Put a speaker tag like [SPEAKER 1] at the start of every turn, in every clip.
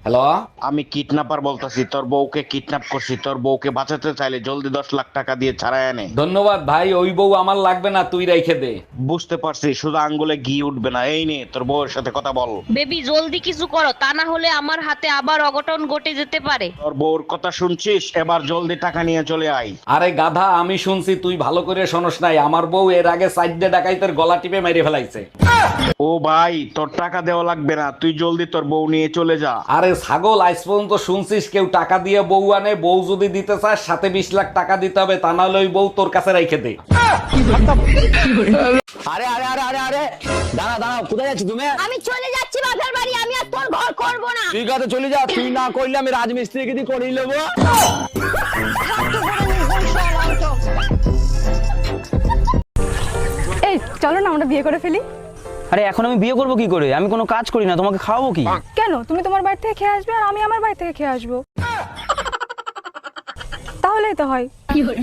[SPEAKER 1] Hello.
[SPEAKER 2] আমি kidnapper বলতাছি, তোর বউকে কিডন্যাপ করছি। তোর বউকে বাঁচাতে চাইলে জলদি 10 লাখ টাকা দিয়ে ছাড়াই আনে।
[SPEAKER 1] ধন্যবাদ ভাই, ওই বউ আমার লাগবে না, তুই রাইখে দে।
[SPEAKER 2] বুঝতে পারছি, শুধু আঙ্গুলে ঘি উঠবে না। এই নে তোর বউয়ের সাথে কথা বল।
[SPEAKER 3] বেবি জলদি কিছু করো, তা না হলে আমার হাতে আবার অঘটন ঘটে যেতে পারে।
[SPEAKER 2] তোর বউর কথা শুনছিস? এবার জলদি টাকা নিয়ে চলে আয়।
[SPEAKER 1] আরে গাধা, আমি শুনছি, তুই ভালো করে শোনস নাই। আমার বউ এর আগে সাইডে ডাকাইতের গলা টিপে মেরে ফেলাইছে।
[SPEAKER 2] ও ভাই, তোর টাকা দেওয়া লাগবে না, তুই জলদি তোর বউ নিয়ে চলে যা।
[SPEAKER 1] আরে ছাগল, আজ পর্যন্ত শুনছিস কেউ টাকা দিয়ে বউ আনে? বউ যদি দিতে চাস সাথে 20 লাখ টাকা দিতে হবে, তা নাহলে ওই বউ তোর কাছে রাইখে দে।
[SPEAKER 4] আরে আরে আরে আরে আরে দাঁড়া দাঁড়া, কোথায় যাচ্ছি তুমি?
[SPEAKER 3] আমি চলে যাচ্ছি বাপের বাড়ি, আমি আর তোর ঘর করব না।
[SPEAKER 4] ঠিক আছে চলে যা, তুই না করলে আমি রাজমিস্ত্রিকে দিয়ে করিয়ে নেবো।
[SPEAKER 5] এই চলো না আমরা বিয়ে করে ফেলি।
[SPEAKER 4] আরে এখন আমি বিয়ে করবো কি করে? আমি কোনো কাজ করি না, তোমাকে খাওয়াবো কি?
[SPEAKER 5] কেন, তুমি তোমার বাড়ি থেকে খেয়ে আসবে আর আমি আমার বাড়ি থেকে খেয়ে আসবো, তাহলেই তো হয়।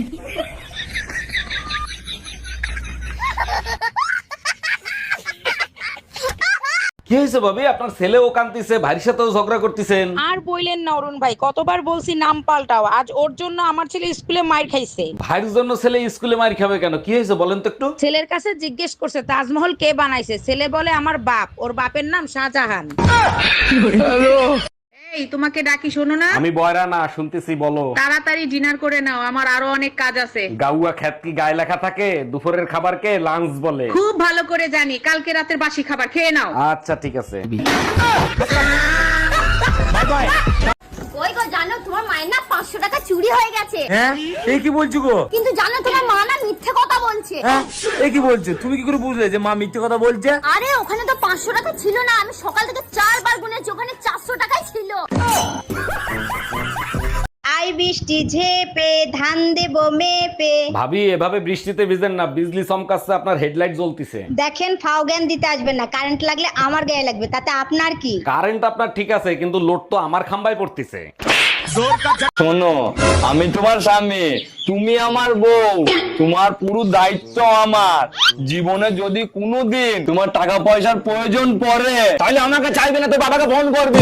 [SPEAKER 1] কি হয়েছে ভাবি? আপনার ছেলে ও কান্তিছে, ভাইয়ের সাথেও ঝগড়া করতেছেন।
[SPEAKER 6] আর বইলেন না অরুণ ভাই, কতবার বলছি নাম পাল্টাও। আজ ওর জন্য আমার ছেলে স্কুলে মাইর খাইছে।
[SPEAKER 1] ভাইয়ের জন্য ছেলে স্কুলে মার খাবে কেন? কি হয়েছে বলেন তো একটু।
[SPEAKER 6] ছেলের কাছে জিজ্ঞেস করছে তাজমহল কে বানাইছে, ছেলে বলে আমার বাপ, ওর বাপের নাম শাহজাহান। এই তোমাকে ডাকি, শোনো না।
[SPEAKER 1] আমি বয়রা না, শুনতেছি, বলো।
[SPEAKER 6] তাড়াতাড়ি ডিনার করে নাও, আমার আরো অনেক কাজ আছে।
[SPEAKER 1] গাউয়া খ্যাত কি গায়ে লেখা থাকে? দুপুরের খাবারকে লাঞ্চ বলে।
[SPEAKER 6] খুব ভালো করে জানি, কালকে রাতের বাসি খাবার খেয়ে নাও।
[SPEAKER 1] আচ্ছা ঠিক আছে।
[SPEAKER 7] ওই গো, জানো তোমার মায়ের না 500 টাকা চুরি হয়ে গেছে।
[SPEAKER 8] হ্যাঁ, এই কি বলছো গো?
[SPEAKER 7] কিন্তু জানো তোমার মা না মিথ্যে কথা বলছে।
[SPEAKER 8] হ্যাঁ, এই কি বলছো? তুমি কি করে বুঝলে যে মা মিথ্যে কথা বলছে?
[SPEAKER 7] আরে ওখানে তো 500 টাকা ছিল না, আমি সকাল থেকে 4 বার গুনেছি, ওখানে 400 টাকাই ছিল।
[SPEAKER 3] আই বৃষ্টি ঝেপে ধান দেবো মেপে।
[SPEAKER 1] ভাবি, এভাবে বৃষ্টিতে ভিজেন না, বিজলি চমকাচ্ছে, আপনার হেডলাইট জ্বলতিছে।
[SPEAKER 3] দেখেন, ফাও জ্ঞান দিতে আসবেন না, কারেন্ট লাগলে আমার গায়ে লাগবে, তাতে আপনার কি?
[SPEAKER 1] কারেন্ট আপনার ঠিক আছে, কিন্তু লোড তো আমার খাম্বায় পড়তিছে।
[SPEAKER 4] শোনো, আমি তোমার স্বামী, তুমি আমার বউ, তোমার পুরো দায়িত্ব আমার। জীবনে যদি কোনোদিন তোমার টাকা পয়সার প্রয়োজন পড়ে, তাহলে আমাকে চাইবে না, তো বাবাকে ফোন করবে।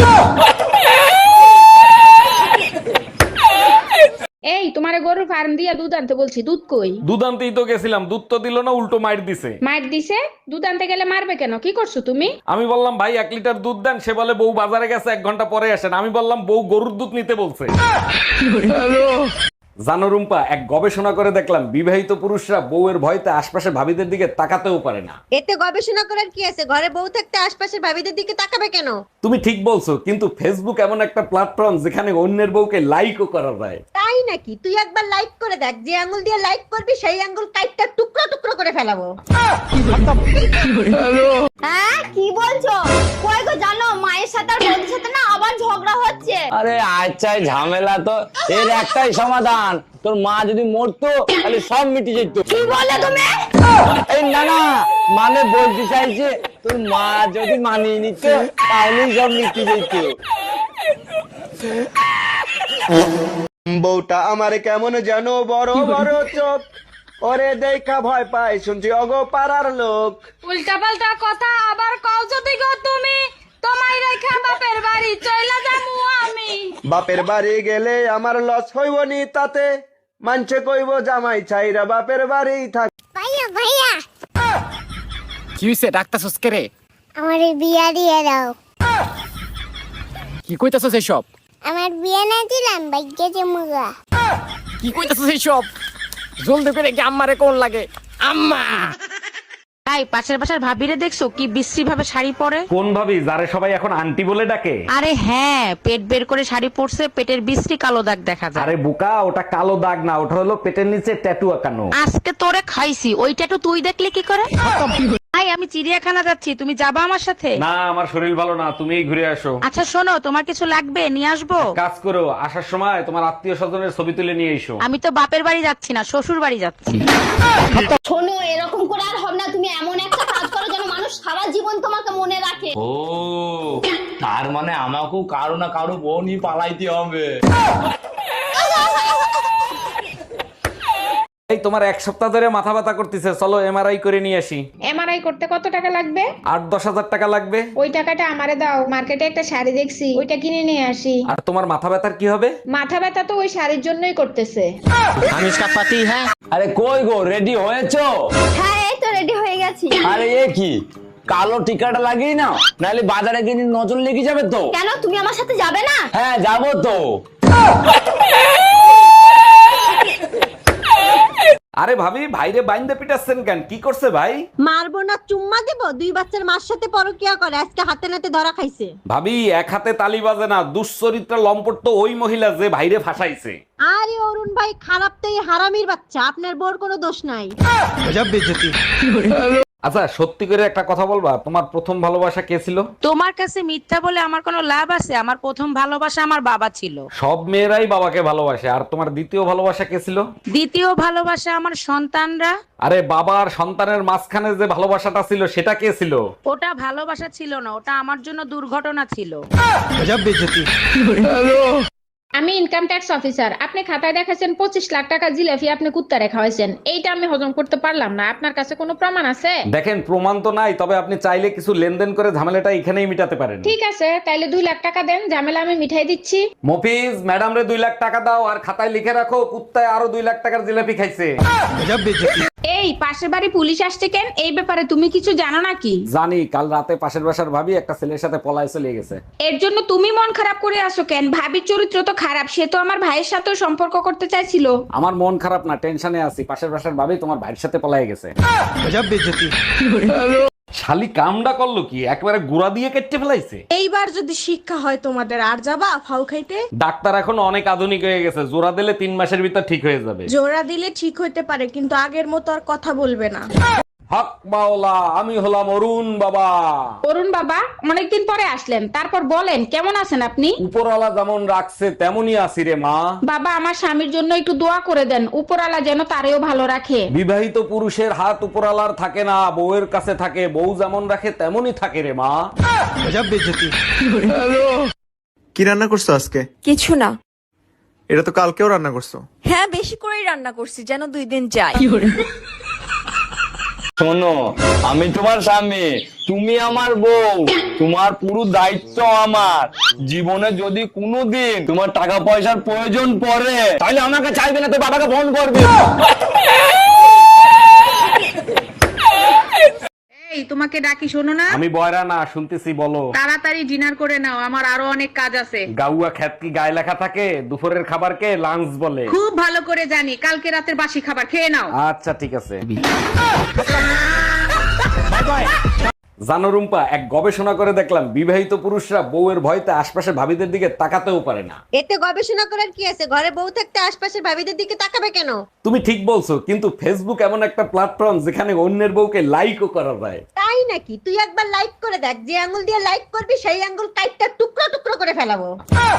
[SPEAKER 6] এই তোমারে গরুর ফার্ম দিয়া দুধ আনতে বলছি, দুধ কই?
[SPEAKER 1] দুধ আনতেই তো গেছিলাম, দুধ তো দিল না, উল্টো মাইর দিছে।
[SPEAKER 6] মাইর দিছে? দুধ আনতে গেলে মারবে কেন? কি করছো তুমি?
[SPEAKER 1] আমি বললাম ভাই 1 লিটার দুধ দেন, সে বলে বউ বাজারে গেছে, 1 ঘন্টা পরে আসেন। আমি বললাম বউ গরুর দুধ নিতে বলছে। জানো রুম্পা, এক গবেষণা করে দেখলাম বিবাহিত পুরুষরা বউয়ের ভয়তে আশপাশের ভাবিদের দিকে তাকাতেও পারে না।
[SPEAKER 3] এতে গবেষণা করার কি আছে? ঘরে বউ থাকতে আশপাশের ভাবিদের দিকে তাকাবে কেন?
[SPEAKER 1] তুমি ঠিক বলছো, কিন্তু ফেসবুক এমন একটা প্ল্যাটফর্ম যেখানে অন্যের বউকে লাইকও করা যায়।
[SPEAKER 3] তাই নাকি? তুই একবার লাইক করে দেখ, যে আঙ্গুল দিয়ে লাইক করবি সেই আঙ্গুল কাইটটা টুকরো টুকরো করে ফেলাবো।
[SPEAKER 7] হ্যাঁ কি বলছো? কই গো, জানো মায়ের সাথে আর বৌদির সাথে না আবার ঝগড়া হচ্ছে।
[SPEAKER 4] আরে আচ্ছা, এই ঝামেলা তো এর একটাই সমাধান, তোর মা যদি মরতো তাহলে সব মিটে যেত।
[SPEAKER 7] কি বলে তুমি?
[SPEAKER 4] এই না না, মানে বলতে চাইছে তোর মা যদি মানিয়ে নিত তাহলেই সব মিটে যেত।
[SPEAKER 2] বউটা আমার কেমন যেন বড় বড় চোখ, ওরে দেখা ভয় পায় শুনছি অগো পাড়ার লোক।
[SPEAKER 6] উল্টা পাল্টা কথা আবার কও যদি গো তুমি, তোমায় রেখা বাপের বাড়ি চইলা যামু আমি।
[SPEAKER 2] বাপের বাড়ি গেলে আমার লস হইব নি তাতে, মানছে কইব জামাই ছাইরা বাপের বাড়ি থাক।
[SPEAKER 7] ভাইয়া ভাইয়া,
[SPEAKER 8] কি হইছে? ডাক্তার সস্কেরে
[SPEAKER 7] আমার বিয়া দিয়ে দাও।
[SPEAKER 8] কি কইতাছস এইসব?
[SPEAKER 7] আমার বিয়া না দিলাম ভাগ্যে জমুগা।
[SPEAKER 8] কি কইতাছস এইসব? জলদি করে কি আম্মারে কোন লাগে? আম্মা!
[SPEAKER 6] তাই পাশের পাশের ভাবিরে দেখছো কি বিশ্রী ভাবে শাড়ি পরে?
[SPEAKER 1] কোন ভাবি, যারে সবাই এখন আন্টি বলে ডাকে?
[SPEAKER 6] আরে হ্যাঁ, পেট বের করে শাড়ি পরছে, পেটের বিশ্রী কালো দাগ দেখা যায়।
[SPEAKER 1] আরে বোকা, ওটা কালো দাগ না, ওটা হলো পেটের নিচে ট্যাটু আঁকানো।
[SPEAKER 6] আজকে তোরে খাইছি, ওইটা তো তুই দেখলে কি করে? ভাই আমি চিড়িয়াখানা যাচ্ছি, তুমি যাবা আমার সাথে?
[SPEAKER 1] না, আমার শরীর ভালো না, তুমিই ঘুরে আসো।
[SPEAKER 6] আচ্ছা শোনো, তোমার কিছু লাগবে নিয়ে আসবো?
[SPEAKER 1] কাজ করো, আসার সময় তোমার আত্মীয় স্বজনের ছবি তুলে নিয়ে এসো।
[SPEAKER 6] আমি তো বাপের বাড়ি যাচ্ছি না, শ্বশুর বাড়ি যাচ্ছি।
[SPEAKER 7] শোনো, এরকম করে আর হবে না, তুমি এমন একটা কাজ করো যেন মানুষ সারা জীবন তোমাকে মনে রাখে।
[SPEAKER 4] ও, তার মানে আমাকেও কারো না কারো বউ নিয়ে পালাইতে হবে।
[SPEAKER 1] এই তোমার এক সপ্তাহ ধরে মাথা ব্যথা করতেছে, চলো এমআরআই করে নিয়ে আসি।
[SPEAKER 6] এমআরআই করতে কত টাকা লাগবে?
[SPEAKER 1] 8-10 হাজার টাকা লাগবে।
[SPEAKER 6] ওই টাকাটা আমারে দাও, মার্কেটে একটা শাড়ি দেখছি, ওইটা কিনে নিয়ে আসি।
[SPEAKER 1] আর তোমার মাথা ব্যথার কি হবে?
[SPEAKER 6] মাথা ব্যথা তো ওই শাড়ির জন্যই করতেছে।
[SPEAKER 4] আরে কই গো, রেডি হয়েছো?
[SPEAKER 7] হ্যাঁ এই তো রেডি হয়ে গেছি।
[SPEAKER 4] আরে এ কি কালো টিকাটা লাগিয়ে নাও, নাহলে বাজারে গিয়ে নজর লেগে যাবে তো।
[SPEAKER 7] কেন তুমি আমার সাথে যাবে না?
[SPEAKER 4] হ্যাঁ যাবো তো।
[SPEAKER 1] আরে ভাবি, ভাইরে বাইন্দে পিটাচ্ছেন কেন? কি করছে ভাই?
[SPEAKER 3] মারবো না চুম্মা দেব? 2 বাচ্চার মার সাথে পরকিয়া করে, আজকে হাতে নাতে ধরা খাইছে।
[SPEAKER 1] ভাবি এক হাতে তালি বাজে না, দুশ্চরিত্র লম্পট তো ওই মহিলা যে ভাইরে ফাঁসাইছে।
[SPEAKER 3] আরে অরুণ ভাই, খারাপ তো এই হারামির বাচ্চা, আপনার বোর কোনো দোষ নাই।
[SPEAKER 1] আচ্ছা সত্যি করে একটা কথা বলবা, তোমার প্রথম ভালোবাসা কে ছিল?
[SPEAKER 9] তোমার কাছে মিথ্যা বলে আমার কোনো লাভ আছে? আমার প্রথম ভালোবাসা আমার বাবা ছিল।
[SPEAKER 1] সব মেয়েরাই বাবাকে ভালোবাসে। আর তোমার দ্বিতীয় ভালোবাসা কে ছিল?
[SPEAKER 9] দ্বিতীয় ভালোবাসা আমার সন্তানরা।
[SPEAKER 1] আরে বাবা আর সন্তানের মাঝখানে যে ভালোবাসাটা ছিল সেটা কে ছিল?
[SPEAKER 9] ওটা ভালোবাসা ছিল না, ওটা আমার জন্য দুর্ঘটনা ছিল।
[SPEAKER 6] আমি ইনকাম ট্যাক্স অফিসার, আপনি খাতায় দেখাচ্ছেন 25 লাখ টাকা জিলাপি আপনি কুত্তা রেখা হয়েছেন, এইটা আমি হজম করতে পারলাম না। আপনার কাছে কোনো প্রমাণ আছে?
[SPEAKER 1] দেখেন প্রমাণ তো নাই, তবে আপনি চাইলে কিছু লেনদেন করে ঝামেলাটা এখানেই মিটাতে পারেন।
[SPEAKER 6] ঠিক আছে, তাইলে 2 লাখ টাকা দেন, ঝামেলা আমি মিঠাই দিচ্ছি।
[SPEAKER 1] মফিজ, ম্যাডাম রে 2 লাখ টাকা দাও, আর খাতায় লিখে রাখো কুত্তায় আরো 2 লাখ টাকার জিলাপি খাইছে।
[SPEAKER 6] এই পাশের বাড়ি পুলিশ আসছে কেন? এই ব্যাপারে তুমি কিছু জানো নাকি?
[SPEAKER 1] জানি, কাল রাতে পাশের বাসার ভাবি একটা ছেলের সাথে পলায় চলে গেছে।
[SPEAKER 6] এর জন্য তুমি মন খারাপ করে আসো কেন? ভাবির চরিত্র তো খারাপ, সে তো আমার ভাইয়ের সাথেও সম্পর্ক করতে চাইছিল।
[SPEAKER 1] আমার মন খারাপ না, টেনশনে আছি। পাশের বাসার ভাবি তোমার ভাইয়ের সাথে পলায় গেছে। শালি কামডা করলো কি, একবারে গুড়া দিয়ে কেটে ফেলাইছে।
[SPEAKER 5] এইবার যদি শিক্ষা হয় তোমাদের, আর যাবা ফাউ খাইতে?
[SPEAKER 1] ডাক্তার এখন অনেক আধুনিক হয়ে গেছে, জোড়া দিলে 3 মাসের ভিতর ঠিক হয়ে যাবে।
[SPEAKER 5] জোড়া দিলে ঠিক হইতে পারে, কিন্তু আগের মতো আর কথা বলবে না।
[SPEAKER 1] হক মাওলা, আমি হলাম অরুণ বাবা।
[SPEAKER 6] অরুণ বাবা, অনেকদিন পরে আসলেন, তারপর বলেন কেমন আছেন আপনি?
[SPEAKER 1] উপরওয়ালা যেমন রাখছে তেমনই আছি রে মা।
[SPEAKER 6] বাবা, আমার স্বামীর জন্য একটু দোয়া করে দেন, উপরওয়ালা যেন তারেও ভালো রাখে।
[SPEAKER 1] বিবাহিত পুরুষের হাত উপরওয়ালার থাকে না, বউয়ের কাছে থাকে। বউ যেমন রাখে তেমনই থাকে রে মা।
[SPEAKER 2] কি রান্না করছো আজকে?
[SPEAKER 5] কিছু না।
[SPEAKER 2] এটা তো কালকেও রান্না করছো।
[SPEAKER 5] হ্যাঁ বেশি করেই রান্না করছি, যেন 2 দিন যায়।
[SPEAKER 4] শোনো, আমি তোমার স্বামী, তুমি আমার বউ, তোমার পুরো দায়িত্ব আমার। জীবনে যদি কোনোদিন তোমার টাকা পয়সার প্রয়োজন পড়ে, তাহলে আমাকে চাইবে না, তো বাবাকে ফোন করবে।
[SPEAKER 6] এই তোমাকে ডাকি, শোনো না?
[SPEAKER 1] আমি বয়রা না, শুনতেছি, বলো।
[SPEAKER 6] তাড়াতাড়ি ডিনার করে নাও, আমার আরো অনেক কাজ আছে।
[SPEAKER 1] গাউয়া খ্যাত কি গায়ে লেখা থাকে? দুপুরের খাবারকে লাঞ্চ বলে।
[SPEAKER 6] খুব ভালো করে জানি, কালকে রাতের বাসি খাবার খেয়ে নাও।
[SPEAKER 1] আচ্ছা ঠিক আছে। জানো রুম্পা, এক গবেষণা করে দেখলাম বিবাহিত পুরুষরা বউয়ের ভয়তে আশপাশের ভাবিদের দিকে তাকাতেও পারে না।
[SPEAKER 3] এতে গবেষণা করার কি আছে? ঘরে বউ থাকতে আশপাশের ভাবিদের দিকে তাকাবে কেন?
[SPEAKER 1] তুমি ঠিক বলছো, কিন্তু ফেসবুক এমন একটা প্ল্যাটফর্ম যেখানে অন্যের বউকে লাইকও করা যায়।
[SPEAKER 3] তাই নাকি? তুই একবার লাইক করে দেখ, যে আঙ্গুল দিয়ে লাইক করবি সেই আঙ্গুল কাইটটা টুকরো টুকরো করে ফেলাবো।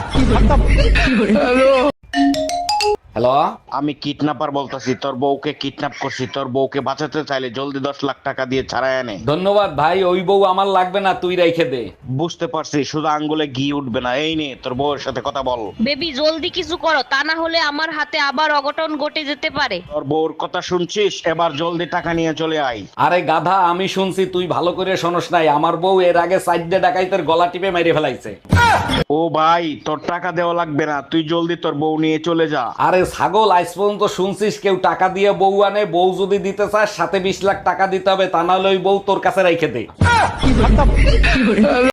[SPEAKER 1] হ্যালো,
[SPEAKER 10] আমি কিডন্যাপার বলতাছি, তোর বউকে কিডন্যাপ করছি। তোর বউকে বাঁচাতে চাইলে জলদি 10 লাখ টাকা দিয়ে ছাড়াই আনে।
[SPEAKER 1] ধন্যবাদ ভাই, ওই বউ আমার লাগবে না, তুই রেখে দে।
[SPEAKER 10] বুঝতে পারছি, শুধু আঙ্গুলে ঘি উঠবে না। এই নে, তোর বউয়ের সাথে কথা বল।
[SPEAKER 9] বেবি জলদি কিছু করো, তা না হলে আমার হাতে আবার অঘটন ঘটে যেতে পারে।
[SPEAKER 10] তোর বউর কথা শুনছিস? এবার জলদি টাকা নিয়ে চলে আয়।
[SPEAKER 1] আরে গাধা, আমি শুনছি, তুই ভালো করে শোনস নাই। আমার বউ এর আগে সাইডে ডাকাইতের গলা টিপে মেরে ফেলাইছে।
[SPEAKER 10] ও ভাই, তোর টাকা দেওয়া লাগবে না, তুই জলদি তোর বউ নিয়ে চলে যা।
[SPEAKER 1] আরে ছাগল, আজ পর্যন্ত শুনছিস কেউ টাকা দিয়ে বউ আনে? বউ যদি দিতে চাস সাথে 20 লাখ টাকা দিতে হবে, তা নাহলে ওই বউ তোর কাছে রেখে দে।